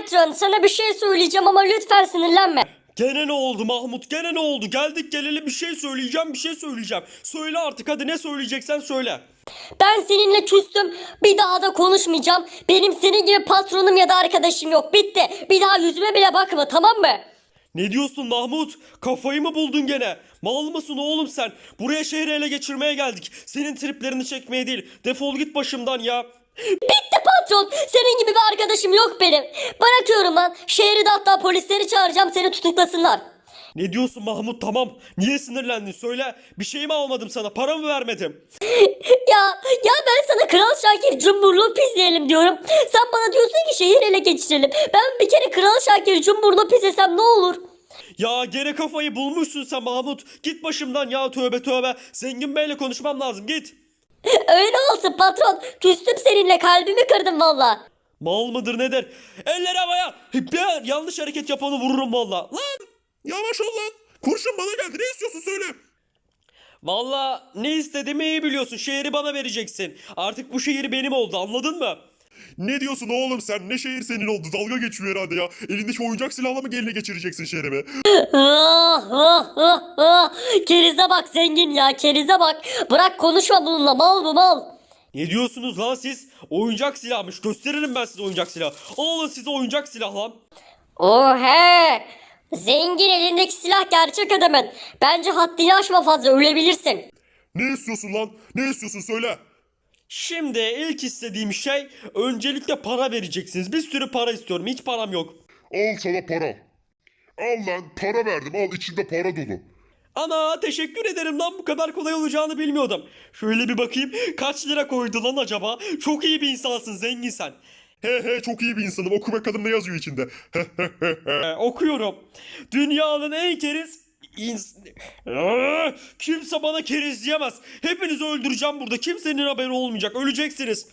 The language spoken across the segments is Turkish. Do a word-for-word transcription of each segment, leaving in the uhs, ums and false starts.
Patron, sana bir şey söyleyeceğim ama lütfen sinirlenme. Gene ne oldu Mahmut? Gene ne oldu? Geldik geleli bir şey söyleyeceğim, bir şey söyleyeceğim. Söyle artık, hadi ne söyleyeceksen söyle. Ben seninle küstüm. Bir daha da konuşmayacağım. Benim senin gibi patronum ya da arkadaşım yok. Bitti. Bir daha yüzüme bile bakma, tamam mı? Ne diyorsun Mahmut? Kafayı mı buldun gene? Mal mısın oğlum sen? Buraya şehri ele geçirmeye geldik. Senin triplerini çekmeye değil. Defol git başımdan ya. Bitti patron. Senin gibi bir arkadaşım yok benim. Bırakıyorum lan. Şehri de hatta polisleri çağıracağım, seni tutuklasınlar. Ne diyorsun Mahmut, tamam. Niye sinirlendin söyle. Bir şey mi almadım sana? Para mı vermedim? Ya ya ben sana Kral Şakir Cumburlu pisleyelim diyorum. Sen bana diyorsun ki şehir ele geçirelim. Ben bir kere Kral Şakir Cumburlu pislesem ne olur? Ya gene kafayı bulmuşsun sen Mahmut. Git başımdan ya, tövbe tövbe. Zengin Bey'le konuşmam lazım, git. Öyle olsun patron. Küstüm seninle, kalbimi kırdın valla. Mal mıdır nedir? Eller havaya. Bir yanlış hareket yapanı vururum valla. Lan yavaş ol lan. Kurşun bana geldi, ne istiyorsun söyle. Valla ne istediğimi iyi biliyorsun. Şehri bana vereceksin. Artık bu şehir benim oldu, anladın mı? Ne diyorsun oğlum sen? Ne şehir senin oldu? Dalga geçiyor herhalde ya. Elindeki oyuncak silahla mı eline geçireceksin şehrimi? Ah, ah, ah, ah. Kerize bak zengin ya, kerize bak. Bırak konuşma bununla, mal bu mal. Ne diyorsunuz lan siz? Oyuncak silahmış. Gösteririm ben size oyuncak silah. Alın size oyuncak silah lan. Ohe! Zengin, elindeki silah gerçek adamın. Bence haddini aşma fazla, ölebilirsin. Ne istiyorsun lan? Ne istiyorsun söyle. Şimdi ilk istediğim şey, öncelikle para vereceksiniz. Bir sürü para istiyorum. Hiç param yok. Al sana para. Al lan para verdim, al içinde para dolu. Ana teşekkür ederim lan, bu kadar kolay olacağını bilmiyordum. Şöyle bir bakayım, kaç lira koydu lan acaba? Çok iyi bir insansın zengin sen. He he çok iyi bir insanım, oku bakalım ne yazıyor içinde. Ee, okuyorum. Dünyanın en keriz... ins- Aa, kimse bana keriz diyemez. Hepinizi öldüreceğim burada. Kimsenin haberi olmayacak. Öleceksiniz.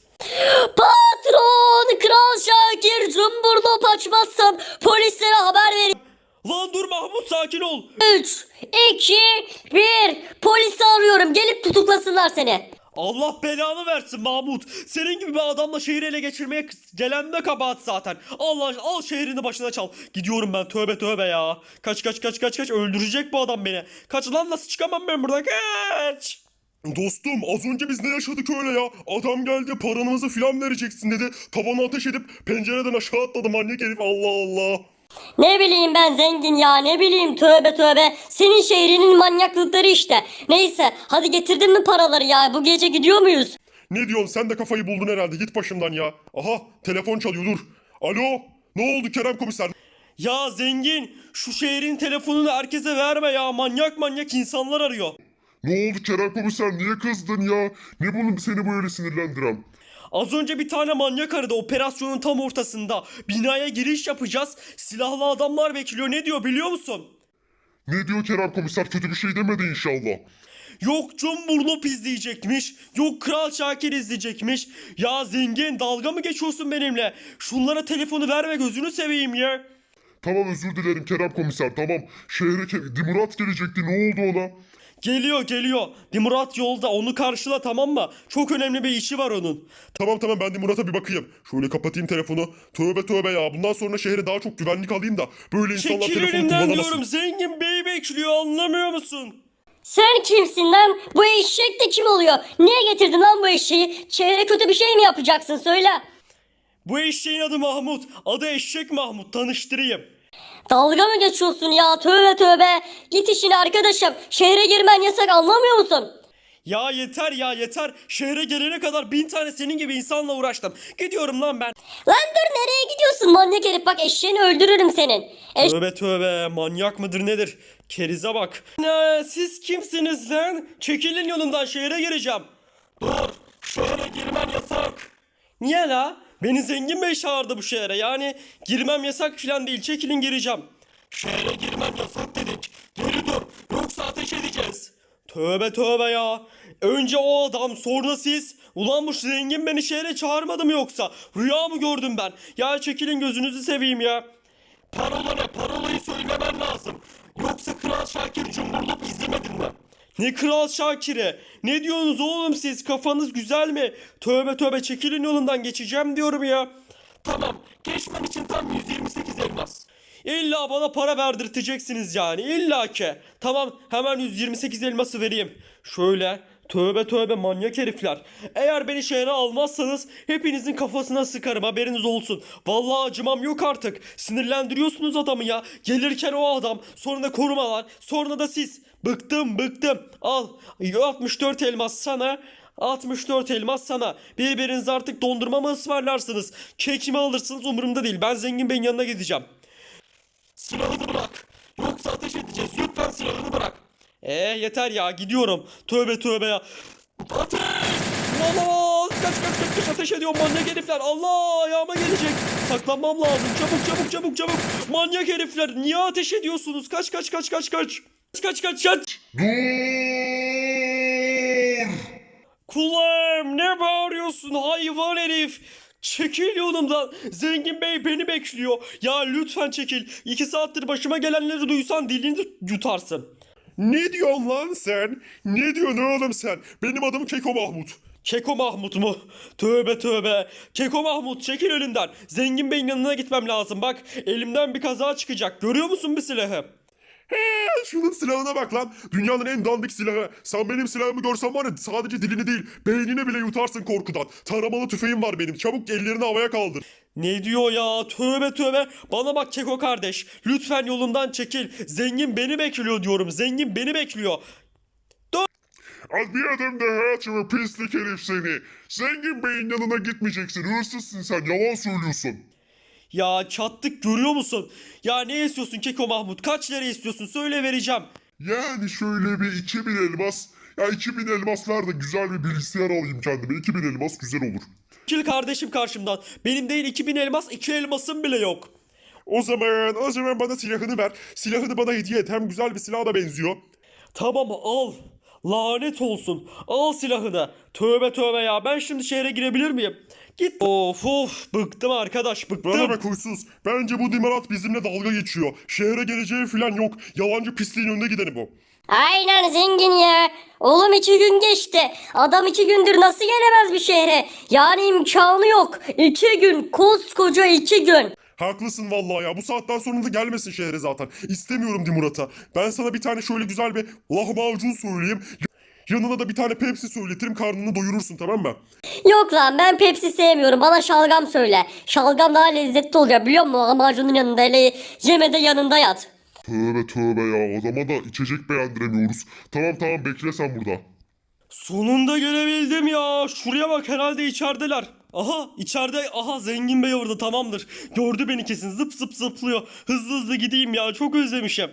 Patron, Kral Şakir Cumburlu paçmazsam polislere haber verin. Lan dur Mahmut, sakin ol. üç, iki, bir. Polisi arıyorum, gelip tutuklasınlar seni. Allah belanı versin Mahmut. Senin gibi bir adamla şehri ele geçirmeye gelen de kabahat zaten. Allah al şehrini başına çal. Gidiyorum ben, tövbe tövbe ya. Kaç kaç kaç kaç kaç, öldürecek bu adam beni. Kaç lan, nasıl çıkamam ben buradan, kaç. Dostum az önce biz ne yaşadık öyle ya? Adam geldi paranızı filan vereceksin dedi. Tavana ateş edip pencereden aşağı atladı manyak herif, Allah Allah. Ne bileyim ben zengin ya, ne bileyim, tövbe tövbe. Senin şehrinin manyaklıkları işte. Neyse, hadi getirdin mi paraları ya, bu gece gidiyor muyuz? Ne diyorsun, sen de kafayı buldun herhalde, git başımdan ya. Aha telefon çalıyor, dur. Alo, ne oldu Kerem komiser? Ya zengin, şu şehrin telefonunu herkese verme ya. Manyak manyak insanlar arıyor. Ne oldu Kerem komiser, niye kızdın ya? Ne bunu seni böyle sinirlendiren? Az önce bir tane manyak aradı operasyonun tam ortasında. Binaya giriş yapacağız. Silahlı adamlar bekliyor. Ne diyor biliyor musun? Ne diyor Kerem komiser, kötü bir şey demedi inşallah. Yok Cumburlop izleyecekmiş. Yok Kral Şakir izleyecekmiş. Ya zengin, dalga mı geçiyorsun benimle? Şunlara telefonu verme, gözünü seveyim ya. Tamam özür dilerim Kerem komiser, tamam. Şehre ke- Dimurat gelecekti, ne oldu ona? Geliyor geliyor. Dimurat yolda, onu karşıla, tamam mı? Çok önemli bir işi var onun. Tamam tamam, ben Dimurat'a bir bakayım. Şöyle kapatayım telefonu. Tövbe tövbe ya, bundan sonra şehre daha çok güvenlik alayım da böyle insanlar Çekil telefonu önümden kullanamasın. diyorum, zengin bey bekliyor, anlamıyor musun? Sen kimsin lan? Bu eşek de kim oluyor? Niye getirdin lan bu eşeği? Şehre kötü bir şey mi yapacaksın, söyle. Bu eşeğin adı Mahmut. Adı Eşek Mahmut, tanıştırayım. Dalga mı geçiyorsun ya, tövbe tövbe. Git işine arkadaşım. Şehre girmen yasak, anlamıyor musun? Ya yeter ya yeter. Şehre gelene kadar bin tane senin gibi insanla uğraştım. Gidiyorum lan ben. Lan dur, nereye gidiyorsun manyak herif, bak eşeğini öldürürüm senin. Eş Tövbe tövbe, manyak mıdır nedir? Kerize bak. Ne, siz kimsiniz lan? Çekilin yolumdan, şehre gireceğim. Dur, şehre girmen yasak. Niye la? Beni zengin bey çağırdı bu şehre. Yani girmem yasak falan değil, çekilin gireceğim. Şehre girmem yasak dedik. Geri dur, yoksa ateş edeceğiz. Tövbe tövbe ya. Önce o adam, sonra siz. Ulan bu zengin beni şehre çağırmadı mı yoksa? Rüya mı gördüm ben? Ya çekilin, gözünüzü seveyim ya. Parola ne? Parolayı söylemen lazım. Yoksa Kral Şakir Cumburlop izlemedin mi? Ne Kral Şakir'e? Ne diyorsunuz oğlum siz? Kafanız güzel mi? Tövbe tövbe, çekilin yolundan, geçeceğim diyorum ya. Tamam, geçmen için tam yüz yirmi sekiz elmas. İlla bana para verdirteceksiniz yani, illa ki. Tamam, hemen yüz yirmi sekiz elması vereyim. Şöyle, tövbe tövbe manyak herifler. Eğer beni şehre almazsanız hepinizin kafasına sıkarım, haberiniz olsun. Vallahi acımam yok artık. Sinirlendiriyorsunuz adamı ya. Gelirken o adam, sonra da korumalar, sonra da siz. Bıktım bıktım. Al altmış dört elmas sana. altmış dört elmas sana. Birbirinize artık dondurma mı ısmarlarsınız? Kek mi alırsınız umurumda değil. Ben Zengin Bey'in yanına gideceğim. Silahını bırak. Yoksa ateş edeceğiz. Lütfen silahını bırak. Ee yeter ya, gidiyorum. Tövbe tövbe ya. Ateş! Olamaz! Kaç kaç kaç kaç, ateş ediyor manyak herifler. Allah, ayağıma gelecek. Saklanmam lazım. Çabuk çabuk çabuk çabuk. Manyak herifler, niye ateş ediyorsunuz? Kaç kaç kaç kaç kaç. Kaç kaç kaç. Dur! Kulağım, ne bağırıyorsun hayvan herif? Çekil yolumdan. Zengin Bey beni bekliyor. Ya lütfen çekil. İki saattir başıma gelenleri duysan dilini yutarsın. Ne diyorsun lan sen? Ne diyorsun oğlum sen? Benim adım Keko Mahmut. Keko Mahmut mu? Tövbe tövbe. Keko Mahmut, çekil önümden. Zengin Bey'in yanına gitmem lazım. Bak, elimden bir kaza çıkacak. Görüyor musun bir silahı? He, şunun silahına bak lan. Dünyanın en dandik silahı. Sen benim silahımı görsen var ya, sadece dilini değil beynini bile yutarsın korkudan. Taramalı tüfeğim var benim. Çabuk ellerini havaya kaldır. Ne diyor ya? Tövbe tövbe. Bana bak Keko kardeş. Lütfen yolumdan çekil. Zengin beni bekliyor diyorum. Zengin beni bekliyor. Az bir adım daha açma pislik herif seni. Zengin Bey'in yanına gitmeyeceksin. Hırsızsın sen. Yalan söylüyorsun. Ya çattık, görüyor musun? Ya ne istiyorsun Keko Mahmut? Kaç lira istiyorsun? Söyle, vereceğim. Yani şöyle bir iki bin elmas. Ya iki bin elmas ver de güzel bir bilgisayar alayım kendime. iki bin elmas güzel olur. Çekil kardeşim karşımdan. Benim değil iki bin elmas, iki elmasım bile yok. O zaman, o zaman bana silahını ver. Silahını bana hediye et. Hem güzel bir silaha da benziyor. Tamam, al. Lanet olsun. Al silahını. Tövbe tövbe ya. Ben şimdi şehre girebilir miyim? Git. Of of. Bıktım arkadaş, bıktım. Bana bak huysuz. Bence bu Dimarat bizimle dalga geçiyor. Şehre geleceği falan yok. Yalancı pisliğin önünde gideni bu. Aynen zengin ya. Oğlum iki gün geçti. Adam iki gündür nasıl gelemez bir şehre? Yani imkanı yok. İki gün. Koskoca iki gün. Haklısın vallahi ya. Bu saatten sonra da gelmesin şehre zaten. İstemiyorum Dimurat'a. Ben sana bir tane şöyle güzel bir lahmacun söyleyeyim. Yanına da bir tane Pepsi söyletirim, karnını doyurursun, tamam mı? Yok lan, ben Pepsi sevmiyorum. Bana şalgam söyle. Şalgam daha lezzetli oluyor biliyor musun? Lahmacunun yanında, hele yemede yanında yat. Tövbe tövbe ya. Adama da içecek beğendiremiyoruz. Tamam tamam, bekle sen burada. Sonunda gelebildim ya. Şuraya bak, herhalde içerideler. Aha, içeride. Aha, Zengin Bey orada, tamamdır. Gördü beni kesin, zıp zıp zıplıyor. Hızlı hızlı gideyim ya, çok özlemişim.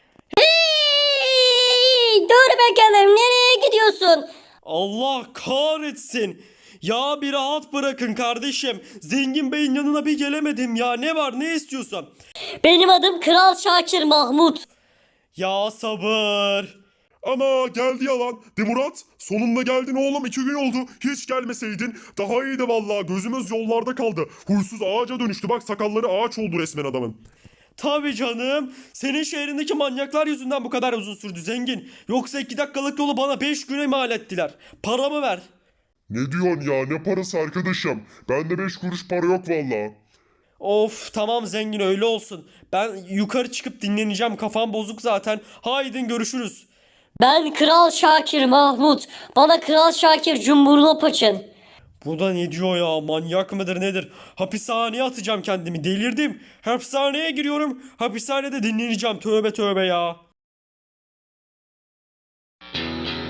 Hey, dur bakalım, nereye gidiyorsun? Allah kahretsin. Ya bir rahat bırakın kardeşim. Zengin Bey'in yanına bir gelemedim ya. Ne var, ne istiyorsan. Benim adım Kral Şakir Mahmut. Ya sabır. Ana geldi yalan. Dimurat sonunda geldin oğlum, iki gün oldu. Hiç gelmeseydin daha iyiydi vallahi. Gözümüz yollarda kaldı. Huysuz ağaca dönüştü, bak sakalları ağaç oldu resmen adamın. Tabii canım. Senin şehrindeki manyaklar yüzünden bu kadar uzun sürdü zengin. Yoksa iki dakikalık yolu bana beş güne mal ettiler. Paramı ver. Ne diyorsun ya, ne parası arkadaşım? Bende beş kuruş para yok vallahi. Of tamam zengin, öyle olsun. Ben yukarı çıkıp dinleneceğim. Kafam bozuk zaten. Haydin görüşürüz. Ben Kral Şakir Mahmut. Bana Kral Şakir Cumhurlop açın. Bu da ne diyor ya, manyak mıdır nedir? Hapishaneye atacağım kendimi, delirdim. Hapishaneye giriyorum, hapishanede dinleneceğim, tövbe tövbe ya.